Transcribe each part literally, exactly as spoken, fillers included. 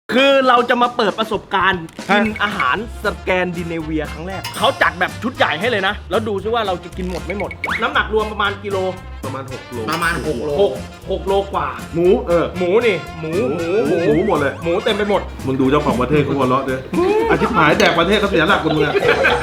คือเราจะมาเปิดประสบการณ์กินอาหารสแกนดิเนเวียครั้งแรกเขาจัดแบบชุดใหญ่ให้เลยนะแล้วดูซิว่าเราจะกินหมดไม่หมดน้ำหนักรวมประมาณกิโลประมาณหกโลประมาณหกโลหกหกโลกว่าหมูเออหมูนี่หมูหมูหมูหมูหมดเลยหมูเต็มไปหมดมึงดูเจ้าของประเทศเขาหัวเราะด้วยอาชิบหายแดกประเทศเขาเสียหลักคนมึงอะ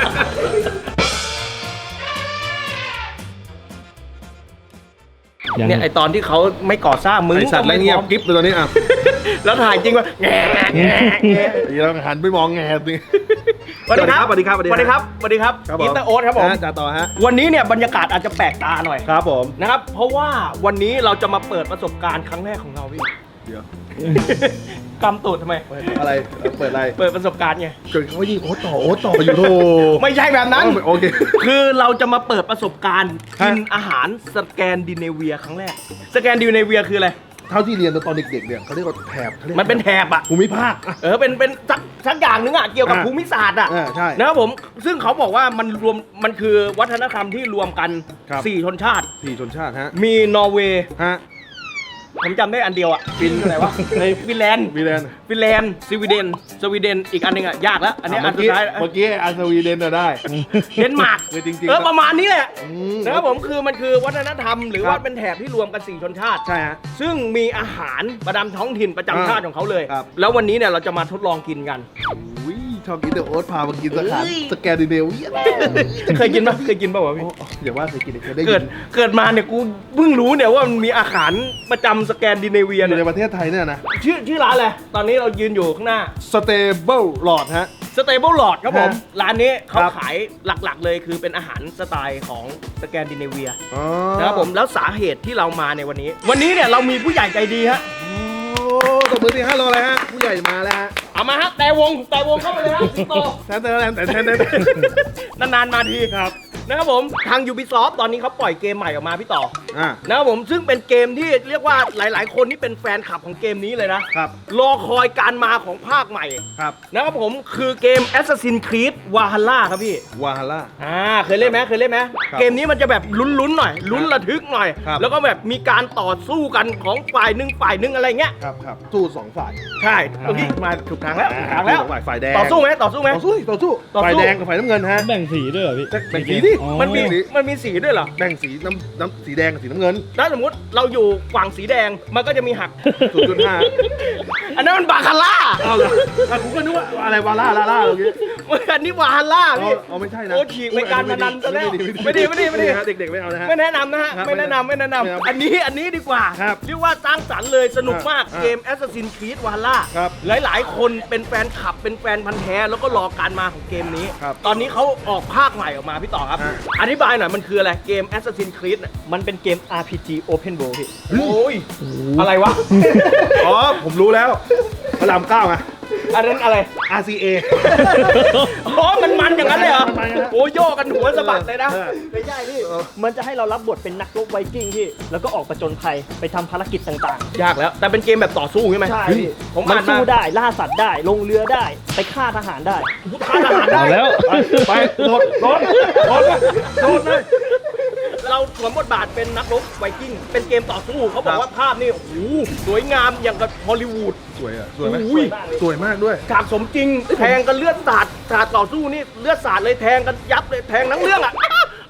เนี่ยไอตอนที่เขาไม่ก่อสร้างมึงไอสัตว์ไรเงียบกิ๊บเลยตอนนี้อ่ะแล้วถ่ายจริงว่าแง่แง่แง่เราหันไปมองแง่ดิสวัสดีครับสวัสดีครับสวัสดีครับสวัสดีครับอินเตอร์โอ๊ตครับผมจ่าต่อฮะวันนี้เนี่ยบรรยากาศอาจจะแปลกตาหน่อยครับผมนะครับเพราะว่าวันนี้เราจะมาเปิดประสบการณ์ครั้งแรกของเราพี่เดี๋ยวกำตูดทำไมอะไรเปิดอะไรเปิดประสบการณ์ไงเกิดเขายิงโอ๊ตต่อโอ๊ตต่ออยู่โธ่ไม่ใช่แบบนั้นโอเคคือเราจะมาเปิดประสบการณ์กินอาหารสแกนดิเนเวียครั้งแรกสแกนดิเนเวียคืออะไรเท่าที่เรียนตอนเด็กๆเนี่ยเขาเรียกว่าแถบมันเป็นแถบอะภูมิภาคเออเป็นเป็นสักสักอย่างนึงอะเกี่ยวกับภูมิศาสตร์อะใช่นะครับผมซึ่งเขาบอกว่ามันรวมมันคือวัฒนธรรมที่รวมกันสี่ชนชาติสี่ชนชาติฮะมีนอร์เวย์ฮะผมจำได้อันเดียวอะฟินอะไรวะในฟินแลนด์ฟินแลนด์ฟินแลนด์สวีเดนสวีเดนอีกอันนึงอะยากแล้วอันนี้อันสุดท้ายเมื่อกี้อันสวีเดนได้เดนมาร์กจริงๆเออประมาณนี้แหละนะครับผมคือมันคือวัฒนธรรมหรือว่าเป็นแถบที่รวมกันสี่ชนชาติใช่ฮะซึ่งมีอาหารประจำท้องถิ่นประจำชาติของเขาเลยแล้ววันนี้เนี่ยเราจะมาทดลองกินกันชอบกินเดอะโอ๊ตพามากินสถานสแกนดิเนเวียเคยกินปะเคยกินป่าวพี่อย่าว่าเคยกินเคยได้เกิดเกิดมาเนี่ยกูเพิ่งรู้เนี่ยว่ามันมีอาหารประจำสแกนดิเนเวียในประเทศไทยเนี่ยนะชื่อชื่อร้านอะไรตอนนี้เรายืนอยู่ข้างหน้า Stable Lord ฮะ Stable Lord ครับผมร้านนี้เขาขายหลักๆเลยคือเป็นอาหารสไตล์ของสแกนดิเนเวียนะครับผมแล้วสาเหตุที่เรามาในวันนี้วันนี้เนี่ยเรามีผู้ใหญ่ใจดีฮะตบมือที่ห้าโลเลยฮะผู้ใหญ่มาแล้วฮะเอามาฮะแต่วงแต่วงเข้าไปเลยฮะโตแทนแต่แทนแต่แทนแต่นานๆมาทีครับนะครับผมทาง Ubisoft ตอนนี้เขาปล่อยเกมใหม่ออกมาพี่ต่ออ่านะครับผมซึ่งเป็นเกมที่เรียกว่าหลายๆคนที่เป็นแฟนคลับของเกมนี้เลยนะครับรอคอยการมาของภาคใหม่ครับนะครับผมคือเกม Assassin's Creed Valhalla ครับพี่ Valhalla อ่าเคยเล่นไหมเคยเล่นไหมเกมนี้มันจะแบบลุ้นๆหน่อยลุ้นระทึกหน่อยแล้วก็แบบมีการต่อสู้กันของฝ่ายหนึ่งฝ่ายหนึ่งอะไรเงี้ยครับครับสู้สองฝ่ายใช่เมื่อกี้มาถูกทางแล้วถูกทางแล้วฝ่ายแดงต่อสู้ไหมต่อสู้ไหมต่อสู้ต่อสู้ฝ่ายแดงกับฝ่ายน้ำเงินฮะแบ่งสีด้วยเหรอพี่แบ่งสีดิมันมีมันมีสีด้วยเหรอแบ่งสีน้ำน้ำสีแดงกับสีน้ำเงินถ้าสมมติเราอยู่ฝั่งสีแดงมันก็จะมีหักศูนย์จุดห้าอันนั้นมันบาคาร่าเอาเลยกูก็นึกว่าอะไรวาล่าล่าล่าเมื่อกี้อันนี้วาฮาร่าพี่อ๋อไม่ใช่นะโอ้ฉีกไปการพนันซะแล้วไม่ดีไม่ดีไม่ดีเด็กๆไม่เอานะฮะไม่แนะนำนะฮะไม่แนะนำไม่แนะนำอันนี้อันนี้ดีกว่าเรียกว่าสร้างสรรค์เลยสนุกมากเกม Assassin's Creed Valhalla หลายๆคนเป็นแฟนคลับเป็นแฟนพันธุ์แท้แล้วก็รอการมาของเกมนี้ตอนนี้เขาออกภาคใหม่ออกมาพี่ต่อครับอธิบายหน่อยมันคืออะไรเกม Assassin's Creed มันเป็นเกม อาร์ พี จี Open World พี่โอ้ยอะไรวะอ๋อผมรู้แล้วพระรามเก้าไงอันนั้นอะไรอาร์ ซี เออ๋อมันมันอย่างนั้นเลยเหรอโอ้โยกกันหัวสะบัดเลยนะไม่ใช่พี่มันจะให้เรารับบทเป็นนักรบไวกิ้งพี่แล้วก็ออกประจนภัยไปทำภารกิจต่างๆยากแล้วแต่เป็นเกมแบบต่อสู้ใช่ไหมใช่ผมมันสู้ได้ล่าสัตว์ได้ลงเรือได้ไปฆ่าทหารได้ฆ่าทหารได้แล้วไปโดดโดดโดดโดดเลยเราสวมบทบาทเป็นนักรบไวกิ้งเป็นเกมต่อสู้เขาบอกว่าภาพนี่โอ้โหสวยงามอย่างกับฮอลลีวูดสวยอ่ะสวยไหมสวยมากด้วยฉากสมจริงแทงกันเลือดสาดฉากต่อสู้นี่เลือดสาดเลยแทงกันยับเลยแทงทั้งเรื่องอ่ะ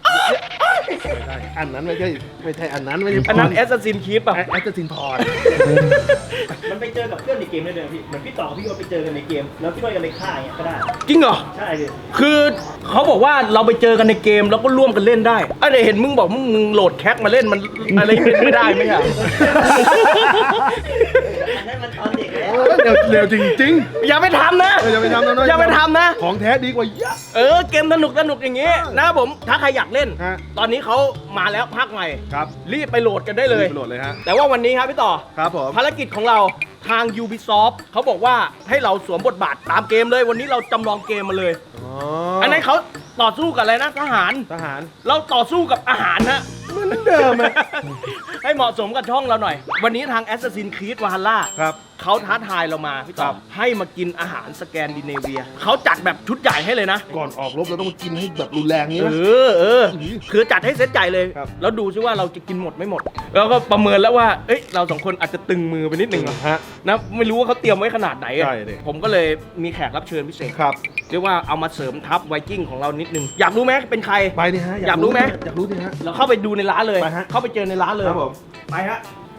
อันนั้นไม่ใช่ไม่ใช่อันนั้นไม่ใช่อันนั้น Assassin's Creed ป่ะ Assassin's Creed มันไปเจอกับเพื่อนในเกมได้เลยพี่เหมือนพี่ต่อพี่ก็ไปเจอกันในเกมแล้วช่วยกันไปฆ่าอย่างเงี้ยก็ได้จริงเหรอใช่พี่คือเขาบอกว่าเราไปเจอกันในเกมแล้วก็ร่วมกันเล่นได้ไอ้เดี๋ยวเห็นมึงบอกมึงมึงโหลดแคคมาเล่นมันอะไรไม่ได้ไหมครับอันนั้นมันตอนเด็กแล้วเร็วเร็วจริงๆอย่าไปทำนะอย่าไปทำนะอย่าไปทำนะของแท้ดีกว่าเยอะเออเกมสนุกสนุกอย่างงี้นะผมถ้าใครอยากเล่นตอนนี้เขามาแล้วภาคใหม่ครับรีบไปโหลดกันได้เลยโหลดเลยฮะแต่ว่าวันนี้ครับพี่ต่อครับผมภารกิจของเราทาง Ubisoft เขาบอกว่าให้เราสวมบทบาทตามเกมเลยวันนี้เราจำลองเกมมาเลยอันนั้นเขาต่อสู้กับอะไรนะทหารทหารเราต่อสู้กับอาหารฮะเหมือนเดิมให้เหมาะสมกับช่องเราหน่อย วันนี้ทาง Assassin's Creed Valhalla ครับเขาท้าทายเรามาพี่ต่อให้มากินอาหารสแกนดิเนเวียเขาจัดแบบชุดใหญ่ให้เลยนะก่อนออกรบเราต้องกินให้แบบรุนแรงนี้เอนะอเออคือจัดให้เซตใหญ่เลยครับแล้วดูซิว่าเราจะกินหมดไม่หมด แล้วก็ประเมินแล้วว่าเอ้ยเราสองคนอาจจะตึงมือไปนิดนึงฮะนะไม่รู้ว่าเขาเตรียมไว้ขนาดไหนอะใช่ดิผมก็เลยมีแขกรับเชิญพิเศษครับเรียกว่าเอามาเสริมทัพไวกิ้งของเรานิดนึงอยากรู้ไหมเป็นใครไปดิฮะอยากรู้ไหมอยากรู้ดิฮะเราเข้าไปดูในร้านเลยไปฮะเข้าไปเจอในร้านเลยครับผมไปฮะ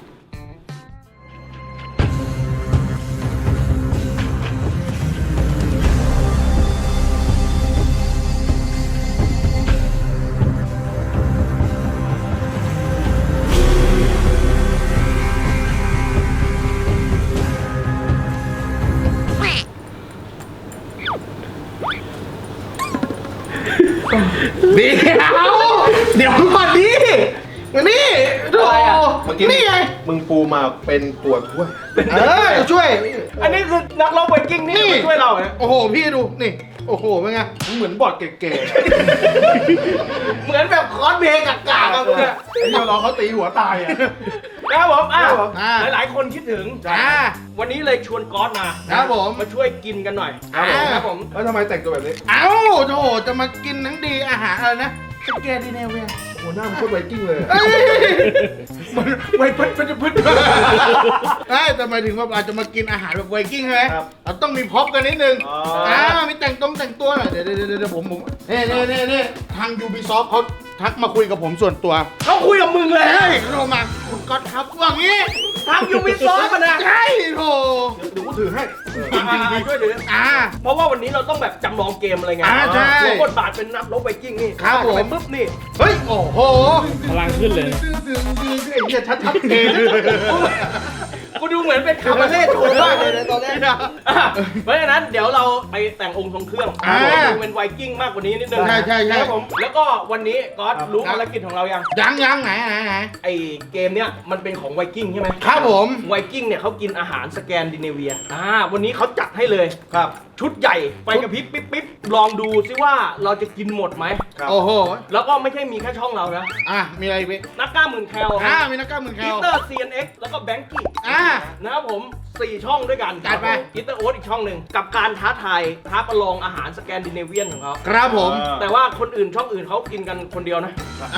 เดี๋ยวเดี๋ยวก่อนดินี่โธ่อะไรอะเมื่อกี้นี่ไงมึงปูมาเป็นตัวถ้วยเออจะช่วยอันนี้คือนักร้องไวกิ้งนี่มาช่วยเราเนี่ยโอ้โห พี่ดู นี่ โอ้โห เป็นไงมึงเหมือนบอดเก๋ๆอะเหมือนแบบคอสเพลย์กากๆอะคุณเนี่ยไอ้เดียวรอเขาตีหัวตายอ่ะนะครับผมอ่ะครับผมอ่าหลายๆ คนคิดถึงอ่าวันนี้เลยชวนก๊อตมาครับผมมาช่วยกินกันหน่อยครับผมครับผมแล้วทำไมแต่งตัวแบบนี้เอ้าโธ่จะมากินทั้งดีอาหารอะไรนะสแกนดิเนเวียโอ้หน้ามันโคตรไวกิ้งเลยเอ้ยมันไวพัดพัดพัดเอ้ยแต่หมายถึงว่าอาจจะมากินอาหารแบบไวกิ้งใช่ไหมครับเราต้องมีพ็อปกันนิดนึงอ๋ออ่อ่ามีแต่งตรงแต่งตัวหน่อยเดี๋ยวเดี๋ยวเดี๋ยวเดี๋ยวผมผมเน่เน่เน่เน่ทาง Ubisoft เขาทักมาคุยกับผมส่วนตัวเขาคุยกับมึงเลยเฮ้ยโทรมาคุณก๊อตครับว่างี้ทางยูบิซอฟต์นะใช่โถเดี๋ยวกูถือให้อ่าช่วยถืออ่าเพราะว่าวันนี้เราต้องแบบจำลองเกมอะไรไงอ่าใช่หัวบทบาทเป็นนักรบไวกิ้งนี่ครับผมไปปุ๊บนี่เฮ้ย โอ้โหพลังขึ้นเลยไอ้เหี้ยชัดๆเองกูดูเหมือนเป็นคาบาเล่โชว์มากเลยนะตอนแรกอ่ะเพราะฉะนั้นเดี๋ยวเราไปแต่งองค์ทรงเครื่องอ่าดูเป็นไวกิ้งมากกว่านี้นิดนึงใช่ใช่ใช่ครับผมแล้วก็วันนี้ก๊อตรู้ภารกิจของเรายังยังยังไหนไหนไหนไอเกมเนี้ยมันเป็นของไวกิ้งใช่ไหมครับผมไวกิ้งเนี่ยเขากินอาหารสแกนดิเนเวียอ่าวันนี้เขาจัดให้เลยครับชุดใหญ่ไปกระพริบปิ๊บปิ๊บลองดูซิว่าเราจะกินหมดไหมครับโอ้โหแล้วก็ไม่ใช่มีแค่ช่องเรานะอ่ะ มีอะไรอีกพี่นักกล้าหมื่นแคลอ่ามีนักกล้ามมือแคอีลเตอร์ ซี เอ็น เอ็กซ์ แล้วก็แบงกี้อ่านะครับผมสี่ช่องด้วยกันจัดไปอีเตอร์โอ๊ตอีกช่องหนึ่งกับการท้าทายท้าประลองอาหารสแกนดิเนเวียนของเขาครับผมอ่าแต่ว่าคนอื่นช่องอื่นเขากินกันคนเดียวนะ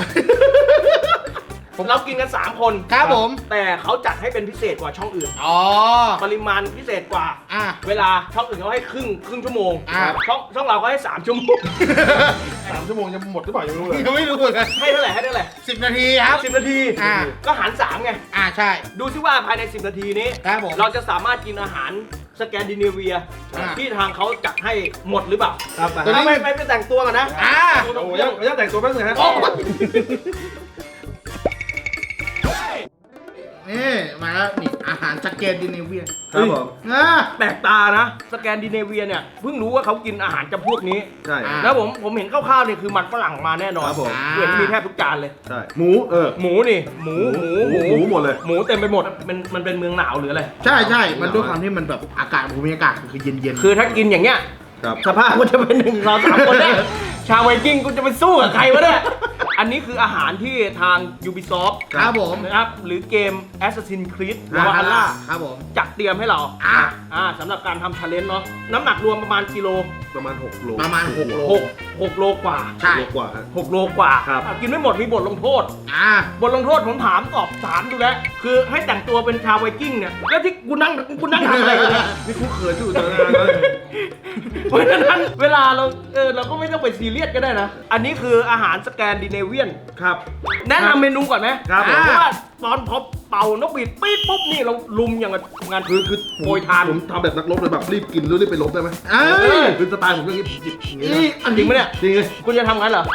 เรากินกัน สาม คนครับผมแต่เขาจัดให้เป็นพิเศษกว่าช่องอื่นอ๋อปริมาณพิเศษกว่าอ่ะเวลาช่องอื่นเขาให้ครึ่งครึ่งชั่วโมงอ่าช่องช่องเราก็ให้สามชั่วโมงสามชั่วโมงจะหมดหรือเปล่ายังไม่รู้เลยยังไม่รู้เหมือนกันให้เท่าไหร่ให้เท่าไหร่สิบนาทีครับสิบนาทีอ่าก็หารสามไงอ่าใช่ดูซิว่าภายในสิบนาทีนี้ครับผมเราจะสามารถกินอาหารสแกนดิเนเวียอ่าที่ทางเขาจัดให้หมดหรือเปล่าครับไปตัวนี้ถ้าไม่ไม่ไปแต่งตัวกันนะอ่าดูตรโอ้งยเครื่ยัอง งยังแต่งตัวแป๊บนึงฮะโอ้นี่มาแล้วนี่อาหารสแกนดิเนเวียครับผมอ่าแปลกตานะสแกนดิเนเวียเนี่ยเพิ่งรู้ว่าเขากินอาหารจำพวกนี้ใช่อ่าแล้วผมผมเห็นคร่าวๆเนี่ยคือมันฝรั่งมาแน่นอนครับผมเห็นมีแทบทุกจานเลยใช่ หมู เออหมูนี่หมูหมูหมูหมูหมดเลยหมูเต็มไปหมดมันมันเป็นเมืองหนาวหรืออะไรใช่ใช่ มันด้วยความที่มันแบบอากาศภูมิอากาศคือเย็นเย็นๆคือถ้ากินอย่างเงี้ยครับสภาพกูจะเป็นหนึ่งสองสามคนเนี่ยชาวไวกิ้งกูจะไปสู้กับใครวะเนี่ยอันนี้คืออาหารที่ทาง Ubisoft ครับผมนะครับหรือเกม Assassin's Creed อ่า Valhalla ครับผมจัดเตรียมให้เราอ่าอ่าสำหรับการทำชาเลนจ์เนาะน้ำหนักรวมประมาณกิโลประมาณหกโลประมาณหกโลหกหกโลกว่าใช่โลกว่าฮะหกโลกว่าครับอ่ะกินไม่หมดมีบทลงโทษอ่าบทลงโทษผมถามตอบถามดูแล้ว คือให้แต่งตัวเป็นชาวไวกิ้งเนี่ย แล้วที่กูนั่งกูนั่งทำอะไรอยู่เนี่ยนี่กูเขินอยู่ตอนนั้นเลยเพราะฉะนั้นเวลาเราเออเราก็ไม่ต้องไปซีเรียสก็ได้นะ อันนี้คืออาหารสแกนดิเนเวียนครับแนะนำเมนูก่อนไหมครับผมเพราะว่าตอนพอเป่านกหวีดปี๊ดปุ๊บนี่เราลุมอย่างกับงานคือคือโปรยทานผมทำแบบนักรบเลยแบบรีบกินแล้วรีบไปรบได้ไหมเอ้ยคือสไตล์ผมเรื่องนี้หยิบอย่างนี้นี่นะอันจริงไหมเนี่ยจริงเลยคุณจะทำงั้นเหรอ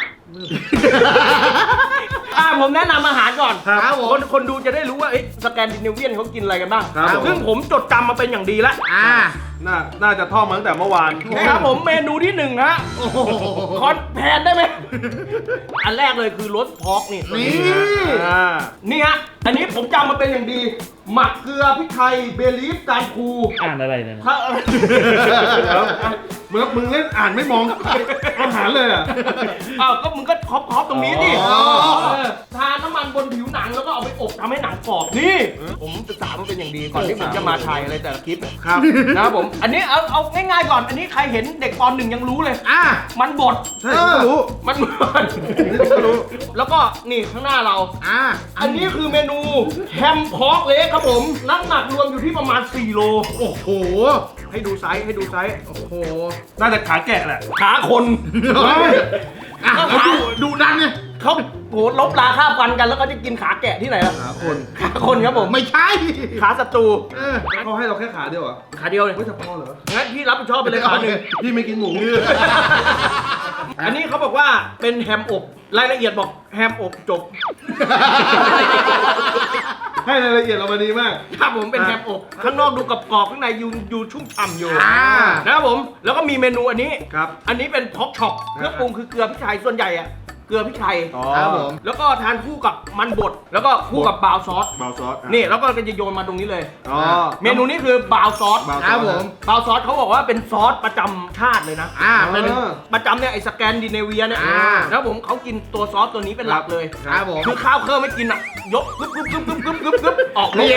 อ่าผมแนะนำอาหารก่อนครับครับผมคนคนดูจะได้รู้ว่าเอ๊ะสแกนดิเนเวียนเขากินอะไรกันบ้างครับผมซึ่งผมจดจำมาเป็นอย่างดีแล้วอ่าน่า น่าจะท่องมาตั้งแต่เมื่อวานนะครับผมเมนูที่หนึ่งฮะโอ้โหคอนแพนได้ไหม อันแรกเลยคือรสพอกนี่นี่อ่านี่ฮะ อันนี้ผมจำมาเป็นอย่างดี หมักเกลือพริกไทยเบลีฟการคูอ่านอะไรเนี่ยถ้ามึงมึงเล่นอ่านไม่มองอาหารเลยอ่ะอ้าวก็มึงก็ครอบครอบตรงนี้ดิอ๋อเออทาน้ำมันบนผิวหนังแล้วก็เอาไปอบทำให้หนังกรอบนี่ ผมศึกษามันเป็นอย่างดีก่อนที่ผมจะมาถ่ายอะไรแต่ละคลิปครับนะครับผม อันนี้เอาเอาง่ายๆก่อน อันนี้ใครเห็นเด็กปหนึ่งยังรู้เลยอ่ะมันบดใช่ผมก็รู้มันบดนี่ผมก็รู้แล้วก็นี่ข้างหน้าเราอ่ะอันนี้คือเมนูแฮมพอกเล็กครับผม น้ำหนักรวมอยู่ที่ประมาณสี่โลโอ้โหให้ดูไซส์ให้ดูไซส์โอ้โหน่าจะขาแกะแหละขาคนเฮ้ยอ่ะแล้วดูดูดันเนี่ยเขาโหลบลาค่าฟันกันแล้วก็จะกินขาแกะที่ไหนล่ะขาคนขาคนครับผมไม่ใช่ขาศัตรูเออเขาให้เราแค่ขาเดียวเหรอขาเดียวเลยไม่จะพอเหรองั้นพี่รับผิดชอบไปเลยขาหนึ่งพี่ไม่กินหมูอันนี้เขาบอกว่าเป็นแฮมอบรายละเอียดบอกแฮมอบจบให้รายละเอียดเรามาดีมากครับผมเป็นแฮมอบข้างนอกดูกรอบๆข้างในยูยูชุ่มฉ่ำอยู่อ่านะครับผมแล้วก็มีเมนูอันนี้ครับอันนี้เป็นพ็อกช็อปเครื่องปรุงคือเกลือพริกไทยส่วนใหญ่อะเกลือพริกไทยอ๋อครับผมแล้วก็ทานคู่กับมันบดแล้วก็คู่กับบราวน์ซอสเบาซอสอ่ะนี่แล้วก็จะโยนมาตรงนี้เลยอ๋อเมนูนี้คือบราวน์ซอสเบาซครัอบ สผมบราวน์ซอสเขาบอกว่าเป็นซอสประจำชาติเลยนะอ่ะเป็เป็นนประจำเนี่ยไอ้สแกนดิเนเวียเนี่ยอ่าแล้วผมเขากินตัวซอสตัวนี้เป็นหลักเลยครับผมคือข้าวเครื่องไม่กินอ่ะ ยกกึ๊บกึ๊บกึ๊บกึ๊บกึ๊บกึ๊บกึ๊บออกเดี๋ยว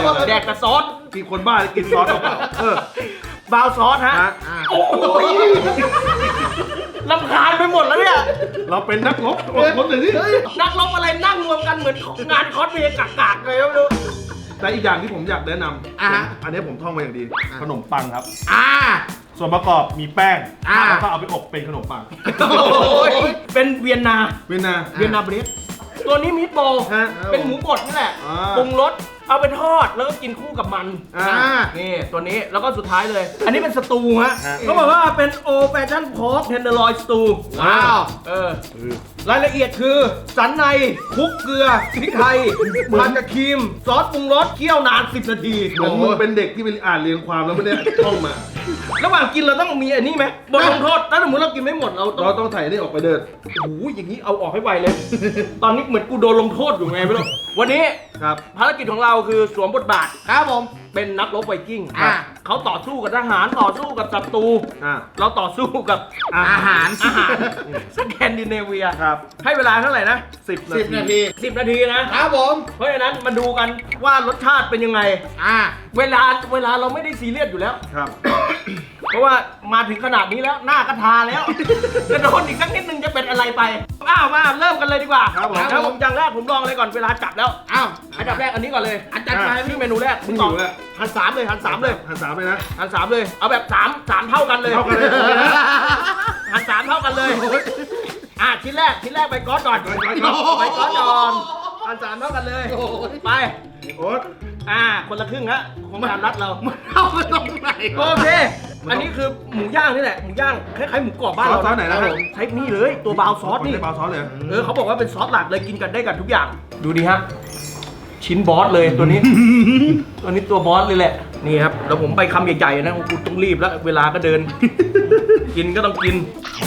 แดกแต่ซอสกินคนบ้ากินซอสเปล่าๆเออบราวน์ซอสฮะฮะอ่ะโอ้ยลำคาญไปหมดแล้วเนี่ยเราเป็นนักรบอดทนหน่อยสินักรบอะไรนั่งรวมกันเหมือนงานคอสเพลย์กากๆเลยไม่รู้แต่อีกอย่างที่ผมอยากแนะนอ่ะฮะำอันนี้ผมท่องมาอย่างดี ขนมปังครับอ่ะส่วนประกอบมีแป้งอ่าแล้วก็เอาไปอบเป็นขนมปังโอ้ยเป็นเวียนนาเวียนนาเวียนนาเบรดตัวนี้มิตโบลฮะเป็นหมูบดนี่แหละอ่าปรุงรสเอาไปทอดแล้วก็กินคู่กับมันอ่านี่ตัวนี้แล้วก็สุดท้ายเลย อันนี้เป็นสตูฮะฮะเขาบอกว่าเป็นโอแฟชั่นพอกเทนเดอร์ลอยสตูว้าวเออรายละเอียดคือสันในคลุกเกลือพริกไทยผัดกับครีม ซอสปรุงรสเคี่ยวนานสิบนาทีเหมือนมึงเป็นเด็กที่ไปอ่านเรียงความแล้วไม่ได้ท่องมาระหว่างกินเราต้องมีอันนี้ไหมบทลงโทษถ้าสมมติเรากินไม่หมดเราต้องเราต้องถ่ายนี่ออกไปเดินโอ้โหอย่างนี้เอาออกให้ไวเลย ตอนนี้เหมือนกูโดนลงโทษอยู่ไงไม่รู้วันนี้ครับภารกิจของเราคือสวมบทบาทครับผมเป็นนักรบไวกิ้งอ่ะเขาต่อสู้กับทหารต่อสู้กับศัตรูอ่าเราต่อสู้กับอาหารอาหารสแกนดิเนเวียครับให้เวลาเท่าไหร่นะสิบสิบนาทีสิบนาทีนะครับผมเพราะฉะนั้นมาดูกันว่ารสชาติเป็นยังไงอ่ะเวลาเวลาเราไม่ได้ซีเรียสอยู่แล้วครับเพราะว่ามาถึงขนาดนี้แล้วหน้าก็ทาแล้ว จะโดนอีกสักนิดนึงจะเป็นอะไรไปอ้าวมาเริ่มกันเลยดีกว่าครับผมครับผมอย่างแรกผมลองเลยก่อนเวลาจับแล้วอ้าวอันดับแรกอันนี้ก่อนเลยอันจัดไปชื่อเมนูแรกมึงตออบยู่แล้วหันสามเลยหันสามเลยหันสามไปนะหันสามเลย เอาแบบสามสามเท่ากันเลยเท่ากันเลยโอเคนะหันสามเท่ากันเลย อ่ะชิ้นแรกชิ้นแรกไปก้อนก่อนไปก้อนก่อนไปก้อนก่อนหันสามเท่ากันเลย ไปโอ๊ตอ่า คนละครึ่งฮะของการรัดเรามันเอาไปตรงไหนโอเค อันนี้คือหมูย่างนี่แหละ หมูย่างคล้ายๆหมูกรอบบ้านเราซอสไหนนะครับใช้นี่เลย ตัวบราวน์ซอสนี่ไม่ได้เบาซอสเลยเออเขาบอกว่าเป็นซอสหลักเลยกินกันได้กับทุกอย่าง ดูดีฮะ ชิ้นบอสเลยตัวนี้ ตัวนี้ตัวบอสเลยแหละ นี่ครับ แล้วผมไปคำใหญ่ๆนะกูต้องรีบแล้ว เวลาก็เดิน กินก็ต้องกิน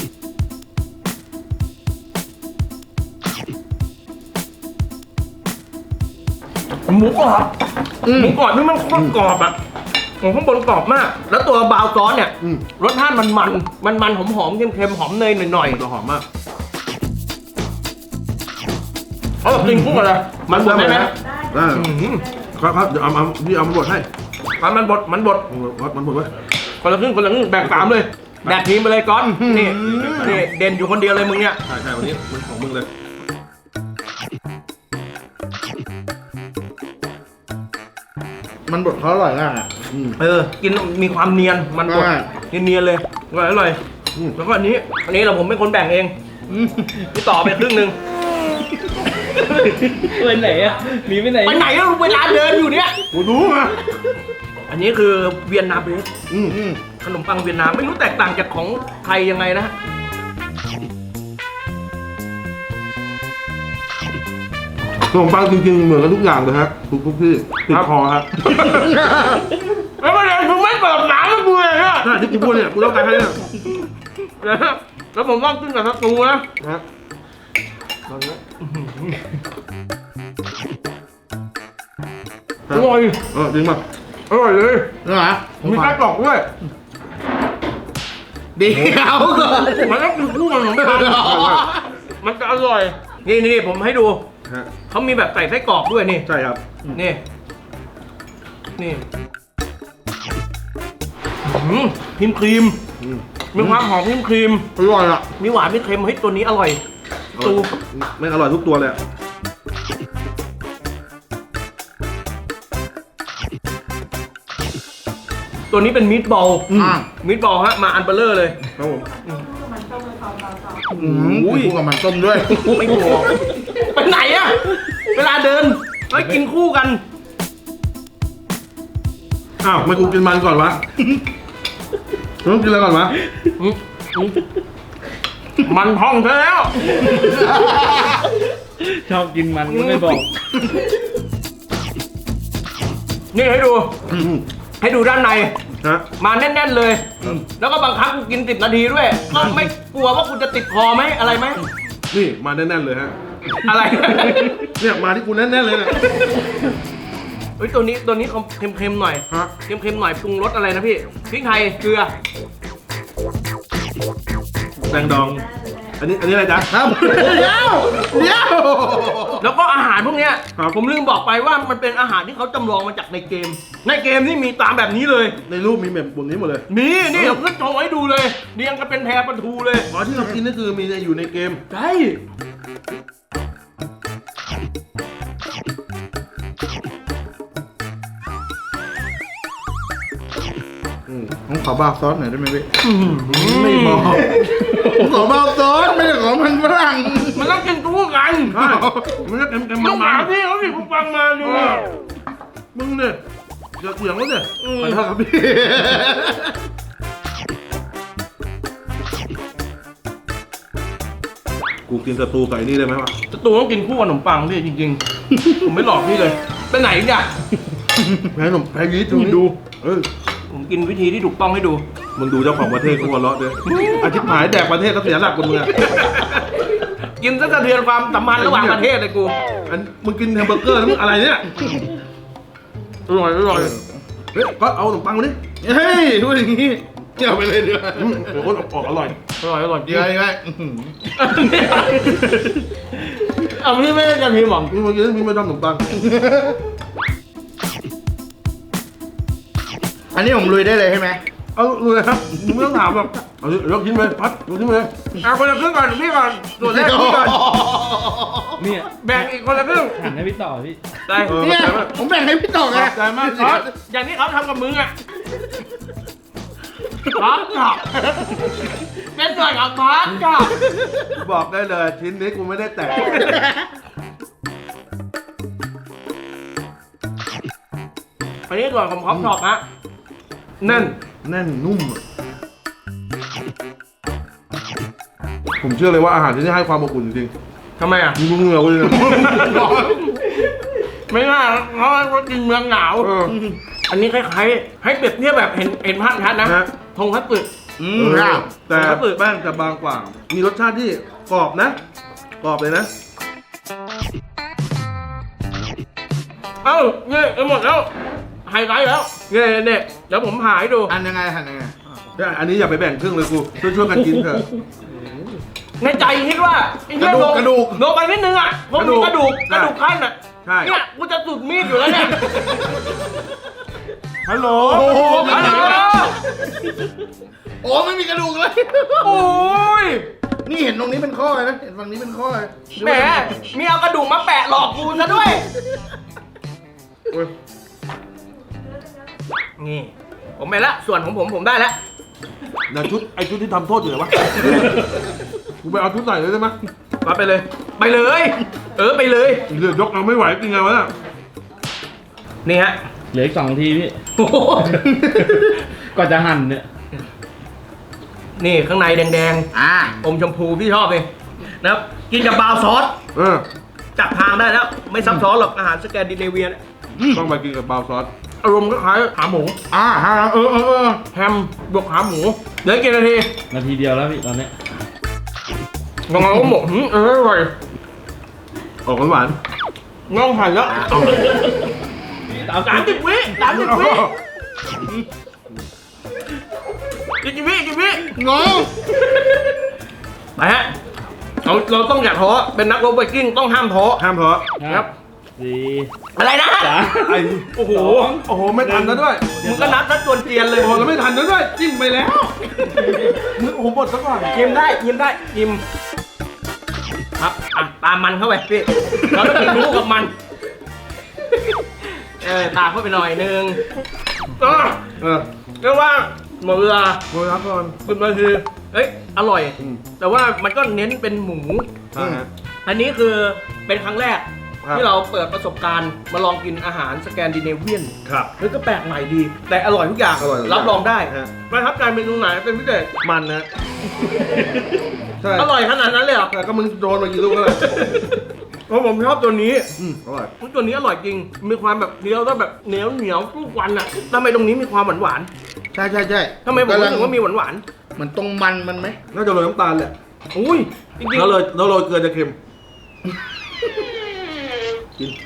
หมูกรอบหมูกรอบนี่มันโคตรกรอบอ่ะของข้างบนกรอบมาก แล้วตัวบราวน์ซอสเนี่ยอืมรสชาติมันมันมันมันหอมหอมๆเค็มๆหอมเนยหน่อยๆตัวหอมมากเอาแบบกินคู่กันเลยมันบดได้ไหมได้อื้อหือครับครับเดี๋ยวเอาเอาพี่เอามาบดให้มันมันบดมันบดวัดมันบดไว้คนละครึ่งคนละครึ่งแบ่งสามเลยแบ่งทีมไปเลยก้อนนี่นี่เด่นอยู่คนเดียวเลยมึงเนี่ยใช่ใช่วันนี้มันของมึงเลยมันบดเขาอร่อยมากอ่ะอืมเออกินมีความเนียนมันบดใช่เนียนๆเลยอร่อยอร่อยอืมแล้วก็อันนี้อันนี้เราผมเป็นคนแบ่งเองพี่ต่อไปครึ่งหนึ่งไปไหนอ่ะหนีไปไหนไปไหนอะเวลาเดินอยู่เนี่ยกูรู้มาอันนี้คือเวียนนาเบรดอืมอืมขนมปังเวียนนาไม่รู้แตกต่างจากของไทยยังไงนะขนมปังจริงๆเหมือนกันทุกอย่างเลยครับทุกทุกที่ติดคอครับแล้วประเด็นคือไม่เปิดหนังให้กูเลยเนี่ยถ้าที่กูพูดเนี่ยกูต้องการให้เนี่ยแล้วผมต้องกินกับสตูนะนะอร่อยเออจริงป่ะอร่อยเลยเหรอผมมีขอไส้กรอกด้วยเดี๋ยวก่อนมันต้องกินคู่กับขนมปังมันจะอร่อย นี่นี่ผมให้ดูฮะเขามีแบบใส่ไส้กรอกด้วยนี่ใช่ครับนี่ นี่อืมครีมครีมอืมมีความหอมครีมครีมอร่อยอ่ะมีหวานมีเค็มเฮ้ยตัวนี้อร่อยตูไม่อร่อยทุกตัวเลยอะตัวนี้เป็นมิตบอลอ่ะมิตบอลฮะมาอันเบลเลอร์เลยครับผมอืมกินคู่กับมันต้มด้วยไม่กลัวไปไหนอะเวลาเดินไปกินคู่กันอ้าวไม่กูกินมันก่อนวะมึงกินอะไรก่อนวะอืมอืมมันพองเธอแล้วชอบกินมันก็ไม่บอกนี่ให้ดูอืมให้ดูด้านในฮะมาแน่นๆเลย แล้วก็บางครั้งกูกินสิบนาทีด้วย ก็ไม่กลัวว่ากูจะติดคอไหมอะไรไหมนี่มาแน่นๆเลยฮะอะไรเนี่ยมาที่กูแน่นๆเลยเนี่ยเฮ้ยตัวนี้ตัวนี้เขาเค็มๆหน่อยฮะเค็มๆหน่อยปรุงรสอะไรนะพี่พริกไทยเกลือแตงดอง อันนี้อันนี้อะไรจ๊ะครับเดี๋ยวเดี๋ยวแล้วก็อาหารพวกเนี้ยครับผมลืมบอกไปว่ามันเป็นอาหารที่เขาจำลองมาจากในเกม ในเกมนี่มีตามแบบนี้เลยในรูปมีแบบบนนี้หมดเลยมีนี่ผมก็โชว์ให้ดูเลยเรียงกันเป็นแพรปลาทูเลยอ๋อที่เรากินนี่คือมีในอยู่ในเกมใช่อืมผมขอบาซอสหน่อยได้ไหมพี่ไม่บอกผมขอบาซอสไม่ใช่ของมันฝรั่งมันต้องกินคู่กันใช่มันจะเต็มเต็มต้องมัหาน พี่เขาสิผมฟังมาดูๆมึงเนี่ยอย่าเถียงแล้วเนี่ยอืมขอโทษครับพี่ กูกินสตูกับไอ้นี่ได้ไหมวะจะตูต้องกินคู่กับขนมปังพี่จริงๆ ผมไม่หลอกพี่เลยไปไหนเนี่ยแพ้หนมแพ้ยีสต์ตรงนี้ดู เออผมกินวิธีที่ถูกต้องให้ดูมึงดูเจ้าของประเทศกูหัวเราะด้วยอาทิตย์หายแดกประเทศแล้วเสียหลักคนมึงอะกินซะสะเทือนความสัมพันธ์ระหว่างประเทศเลยกูอันมึงกินแฮมเบอร์เกอร์แล้วมึงอะไรเนี่ยอร่อยอร่อยเฮ้ยก็เอาขนมปังมาดิเฮ้ยดูอย่างนี้เกี่ยวไปเลยเดี๋ยวอืมเดี๋ยวคนออกอร่อยอร่อยอร่อยเดี๋ยวเดี๋ยวอื้อหือเอาพี่ไม่ได้จะพิมพ์หรอมึงมากินมึงไม่ทำขนมปังอันนี้ผมลุยได้เลยใช่ไหมเอาเลยครับมึงไม่ต้องถามหรอกเอายกชิ้นไปพัดยกชิ้นไปเลยเอาคนละครึ่งก่อนพี่ก่อนส่วนแรกพี่ก่อนเนี่ยแบ่งอีกคนละครึ่งหันให้พี่ต่อพี่ได้เออเนี่ยผมแบ่งให้พี่ต่อไงขอบใจมากซอสอย่างที่เขาทำกับมึงอ่ะพาร์ทกับเป็นส่วนของพาร์ทกับบอกได้เลยชิ้นนี้กูไม่ได้แตะอันนี้ส่วนของพร้อมช็อปฮะแน่นแน่นนุ่มอะผมเชื่อเลยว่าอาหารที่นี่ให้ความอบอุ่นจริงทำไมอ่ะๆมึงเหงื่อกูเลยนะไม่น่าเพราะว่าเขากินเมืองหนาวเอออันนี้คล้ายๆให้เปรียบเทียบแบบเห็นเห็นภาพชัดนะฮะทงคัตสึอืเอมอครับแต่ครับแป้งจะบางกว่า มีรสชาติที่กรอบนะ กรอบเลยนะเอ้าเนี่ยเอาหมดแล้วไฮไลท์แล้วเนี่ยเนี่ยเดี๋ยวผมหาให้ดูอันยังไงหันยังไงอันนี้อย่าไปแบ่งครึ่งเลยกูช่วยช่วยๆกันกินเถอะในใจคิดว่าไอ้เหี้ยลงลงไปนิดนึงอ่ะผมมีกระดูกกระดูกขั้นอ่ะใช่เนี่ยกูจะสุดมีดอยู่แล้วเนี่ยฮัลโหลโอ้โหฮัลโหลโอ้ไม่มีกระดูกเลยโอ้ยนี่เห็นตรงนี้เป็นข้อเลยนะ เห็นฝั่งนี้เป็นข้อเลยแหมมีเอากระดูกมาแปะหลอกกูซะด้วยโอ้ยนี่ผมไปละส่วนของผมผมได้แล้วเดี๋ยวชุดไอชุดที่ทำโทษอยู่ไหนวะ กูไปเอาชุดไหนเลยได้ไหมมาไปเลย ไปเลย เออไปเลยเรือยกเอาไม่ไหวจริงไงวะเนี่ยนี่ฮะเหลืออีกสองทีพี่โอ้โหก็จะหั่นเนี่ยนี่ข้างในแดงอ่าๆอมชมพูพี่ชอบเลยนะครับกินกับบราวน์ซอสเออจับทางได้แล้ว ไม่ซับซ้อนหรอกอาหารสแกนดิเนเวียเนี่ยต้องไปกินกับบราวน์ซอสอารมณ์ก็คล้ายขาหมูอ่าฮะเออเออเออแฮมบวกขาหมูเหลือกี่นาทีนาทีเดียวแล้วพี่ตอนเนี้ยงงก็หมกหืมเอออร่อยออกหวานงงผ่านแล้วสามสิบวิสามสิบวิอีกกี่วิอีกกี่วิงอไปฮะเราเราต้องอย่าท้อเป็นนักรบไวกิ้งต้องห้ามท้อห้ามเพราะครับสี่อะไรนะสามไอ้โอ้โหโอ้โหไม่ทันแล้วด้วยมึงก็นับนัดจวนเจียนเลยโอ้โหแล้วไม่ทันแล้วด้วยจิ้มไปแล้วมึงโอ้โหหมดซะก่อนยิ้มได้ยิ้มได้ยิ้มครับอ่ะตามมันเข้าไปพี่เราต้องกินคู่กับมันเออตามเข้าไปหน่อยนึงก็เออเรียกว่าหมดเวลาโมยรับก่อนคุณมาคือเอ้ยอร่อยอืมแต่ว่ามันก็เน้นเป็นหมูอ่าฮะอันนี้คือเป็นครั้งแรกครับที่เราเปิดประสบการณ์มาลองกินอาหารสแกนดิเนเวียนครับเฮ้ยก็แปลกใหม่ดี แต่อร่อยทุกอย่างอร่อยทุกอย่างรับรองได้ฮะประทับใจเมนูไหนเป็นพิเศษมันนะใช่อร่อยขนาดนั้นเลยเหรอแต่ก็มึงโดนมากี่ลูกแล้วล่ะเพราะผมชอบตัวนี้อืมอร่อยตัวนี้อร่อยจริง มีความแบบเคี้ยวแล้วแบบเหนียวเหนียวทุกวันอ่ะทำไมตรงนี้มีความหวานหวานใช่ใช่ใช่ๆทำไมผมรู้สึกว่ามีหวานหวานเหมือนตรงมันมันไหมน่าจะโรยน้ำตาลแหละๆอุ้ยจริงๆแล้วโรยแล้วโรยเกลือจะเค็ม กิน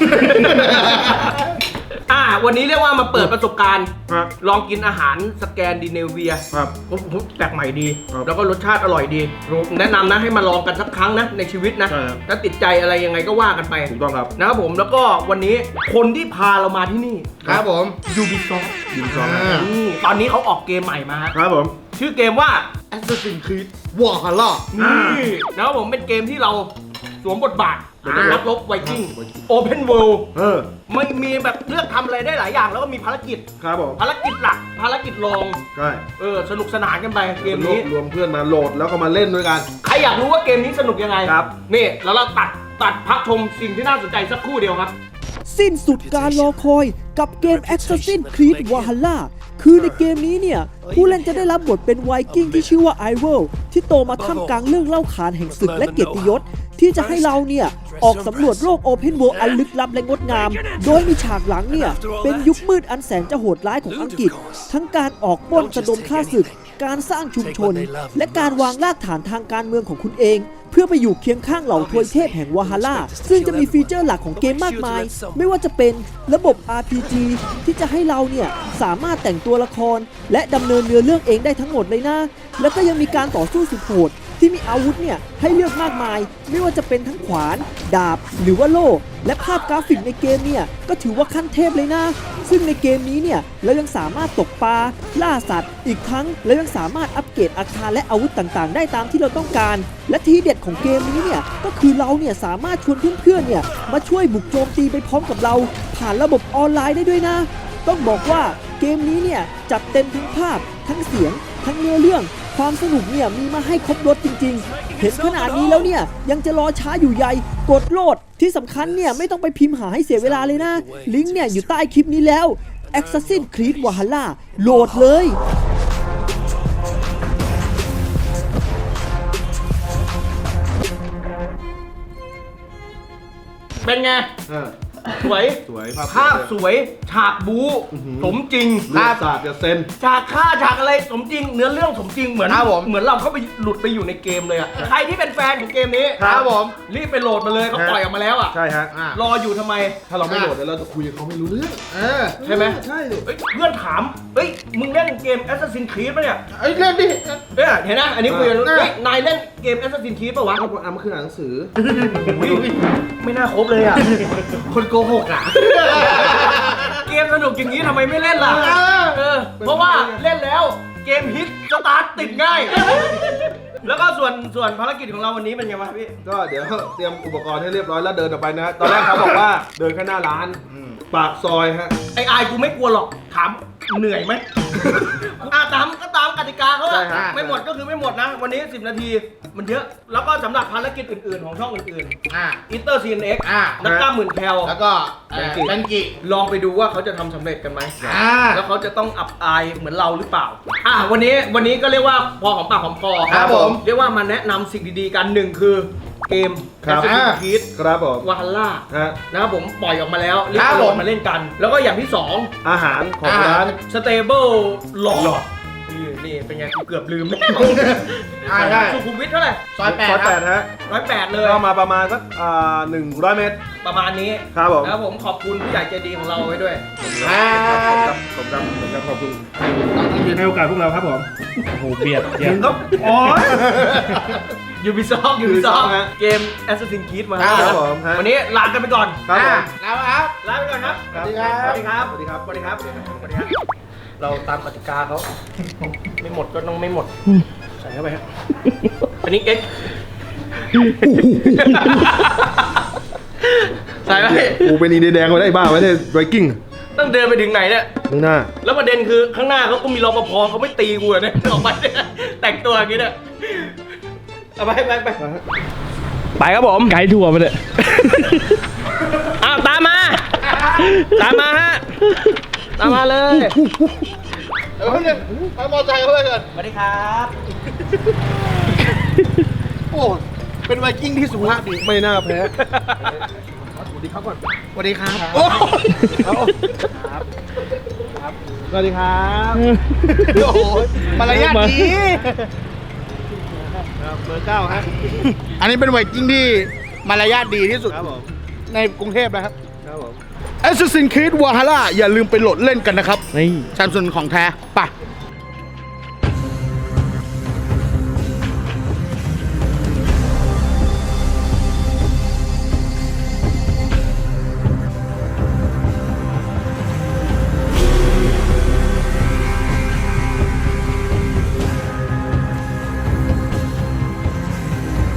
อ่าวันนี้เรียกว่ามาเปิดประสบการณ์ครับลองกินอาหารสแกนดิเนเวียครับโอ้โหแปลกใหม่ดีครับแล้วก็รสชาติอร่อยดี แนะนำนะให้มาลองกันสักครั้งนะในชีวิตนะใช่ครับถ้าติดใจอะไรยังไงก็ว่ากันไปถูกต้องครับนะครับผมแล้วก็วันนี้คนที่พาเรามาที่นี่ครับผม Ubisoft ยินซองอ่านี่ตอนนี้เขาออกเกมใหม่มาฮะครับผมชื่อเกมว่า Assassin's Creed Valhalla นี่นะครับผมเป็นเกมที่เราสวมบทบาทอ่าเป็นนักรบไวกิ้ง Open World เออไม่มีแบบเลือกทำอะไรได้หลายอย่าง แล้วก็มีภารกิจครับผมภารกิจหลัก ภารกิจรองใช่เออสนุกสนานกันไปเกมรวนี้บรวมเพื่อนมาโหลดแล้วก็มาเล่นด้วยกันใครอยากรู้ว่าเกมนี้สนุกยังไงครับนี่แล้วเราตัดตัดพักชมสิ่งที่น่าสนใจสักครู่เดียวครับสิ้นสุดการรอคอยกับเกม Assassin's Creed Valhalla คือในเกมนี้เนี่ย ผู้เล่นจะได้รับบทเป็นไวกิ้งที่ชื่อว่าไอเวลที่โตมาท่ามกลางเรื่องเล่าขานแห่งศึกและเกียรติยศ ที่จะให้เราเนี่ย ออกสำรวจโลก Open World อันลึกลับและงดงาม โดยมีฉากหลังเนี่ย เป็นยุคมืดอันแสนจะโหดร้ายของอังกฤษ ทั้งการออกปล้นสะดมฆ่าศึก การสร้างชุมชน และการวางรากฐานทางการเมืองของคุณเอง เพื่อไปอยู่เคียงข้างเหล่าทวยเทพแห่งวาฮาร่าซึ่งจะมีฟีเจอร์หลักของเกมมากมาย ไม่ว่าจะเป็นระบบ อาร์ พี จี ที่จะให้เราเนี่ยสามารถแต่งตัวละคร และดำเนินเนื้อเรื่องเองได้ทั้งหมดเลยนะ แล้วก็ยังมีการต่อสู้สุดโหดที่มีอาวุธเนี่ยให้เลือกมากมาย ไม่ว่าจะเป็นทั้งขวาน ดาบ หรือว่าโล่ และภาพกราฟิกในเกมเนี่ยก็ถือว่าขั้นเทพเลยนะ ซึ่งในเกมนี้เนี่ยเรายังสามารถตกปลา ล่าสัตว์ อีกทั้งเรายังสามารถอัปเกรดอาคารและอาวุธต่างๆ ได้ตามที่เราต้องการ และทีเด็ดของเกมนี้เนี่ยก็คือเราเนี่ยสามารถชวนเพื่อนๆเนี่ยมาช่วยบุกโจมตีไปพร้อมกับเรา ผ่านระบบออนไลน์ได้ด้วยนะ ต้องบอกว่าเกมนี้เนี่ยจัดเต็มทั้งภาพ ทั้งเสียง ทั้งเนื้อเรื่อง ความสนุกเนี่ยมีมาให้ครบรถจริงๆ เห็นขนาดนี้แล้วเนี่ยยังจะรอช้าอยู่ใหญ่ กดโหลดที่สำคัญเนี่ยไม่ต้องไปพิมพ์หาให้เสียเวลาเลยนะ ลิงก์เนี่ยอยู่ใต้คลิปนี้แล้ว Assassin's Creed Valhalla โหลดเลยเป็นไงเออสวยสวยภาพภาพสวย ฉากบู๊สมจริงลูกศาสตร์จะเซ็นฉากฆ่าฉากอะไรสมจริง เนื้อเรื่องสมจริงเหมือนครับผมเหมือนเราเข้าไปหลุดไปอยู่ในเกมเลยอะใครที่เป็นแฟนของเกมนี้ครับผมรีบไปโหลดมาเลยเขาฮะปล่อยออกมาแล้วอะใช่ฮะอ่ะรออยู่ทำไมถ้าเราไม่โหลดเดี๋ยวเราจะคุยกับเขาไม่รู้เรื่องเออใช่ไหมใช่ดิเอ้ยเพื่อนถามเอ้ยมึงเล่นเกม Assassin's Creed ปะเนี่ยไอ้ยเล่นดิเนี่ยเห็นนะอันนี้คุยกันรู้เออเฮ้ยนายเล่นเกม Assassin's Creed ปะวะเอาเอามาคืออ่านหนังสืออุ๊ยไม่น่าครบเลยอะคนโกหกอ่ะเกมสนุกอย่างนี้ทำไมไม่เล่นล่ะเออเออเพราะว่าเล่นแล้วเกมฮิตสตาร์ทติดง่าย แล้วก็ส่วนส่วนภารกิจของเราวันนี้เป็นไงวะพี่ก็เดี๋ยวเตรียมอุปกรณ์ให้เรียบร้อยแล้วเดินออกไปนะ ตอนแรกเขาบอกว่าเดินแค่หน้าร้าน ปากซอยฮะไอ้อายกูไม่กลัวหรอกถามเหนื่อยไหม อ่ะตามก็ตามกติกาเขาใช่อะฮะไม่หมดก็คือไม่หมดนะ วันนี้สิบนาทีมันเยอะ แล้วก็สำหรับภารกิจอื่นๆของช่องอื่นอ่ะๆอินเตอร์ซีเอ็นเอ็กอ่ะนักกล้ามหมื่นแคลแล้วก็เอ่อแบงกิลองไปดูว่าเขาจะทำสำเร็จกันไหมอ่าแล้วเขาจะต้องอับอายเหมือนเราหรือเปล่า อ่ะวันนี้วันนี้ก็เรียกว่าพอของปากของคอครับผมเรียกว่ามาแนะนำสิ่งดีๆกันหนึ่งคือเกมครับ Assassin's Creed ครับผม Valhalla ฮะนะครับผมปล่อยออกมาแล้วเรียกครับโหลผดมมาเล่นกัน แล้วก็อย่างที่สองอาหารของอาหารร้าน Stable หลอดนี่นี่เป็นไงกูเกือบลืมอ่าได้สุขุมวิทเท่าไหร่ซอยแปดซอยคแปรับดฮะร้อยแปดเลยก็มาประมาณสักอ่าหนึ่งร้อยเมตรประมาณนี้ครับผมแล้วผมขอบคุณผู้ใหญ่ใจดีของเราไว้ด้วยครับผมจำผมจำขอบคุณให้โอกาสพวกเราครับผมโอ้โหเบียดเบียดก็โอ้ยยูบิซอฟยูบิซอฟ Ubisoft ฮะเกม Assassin's Creed มาครับผมฮะวันนี้ลากันไปก่อนครับผมแล้วครับลาไปก่อนครับสวัสดีครับสวัสดีครับ สวัสดีครับ สวัสดีครับ สวัสดีครับ เราตามกติกาเขา ไม่หมดก็ต้องไม่หมด ใส่เข้าไปครับอันนี้เอ็กใส่ไปกูเป็นอีเดียแดงมาได้บ้าไว้ได้ไวกิ้งต้องเดินไปถึงไหนเนี่ยมึงหน้าแล้วประเด็นคือข้างหน้าเขาก็มีรปภเขาไม่ตีกูอะเนี่ยออกไปเนี่ยแต่งตัวอย่างนี้เนี่ยเอาไปไปไปไปครับผมไกด์ทัวร์ไปเลยอ้าวตามมา ตามมาฮะ ตามมาเลยเดี๋ยวเพิ่งนึงไปมอไซค์เขาไปก่อนสวัสดีครับโอ้เป็นไวกิ้งที่สุภาพดีไม่น่าแพ้สวัสดีครับโอ้สวัสดีครับโอ้โหมารยาทดีเบอร์เก้าฮะอันนี้เป็นไวกิ้งที่มารยาทดีที่สุดครับผมในกรุงเทพนะครับครับผม Assassin's Creed Valhalla อย่าลืมไปโหลดเล่นกันนะครับนี่ซัมซุงของแท้ไปะ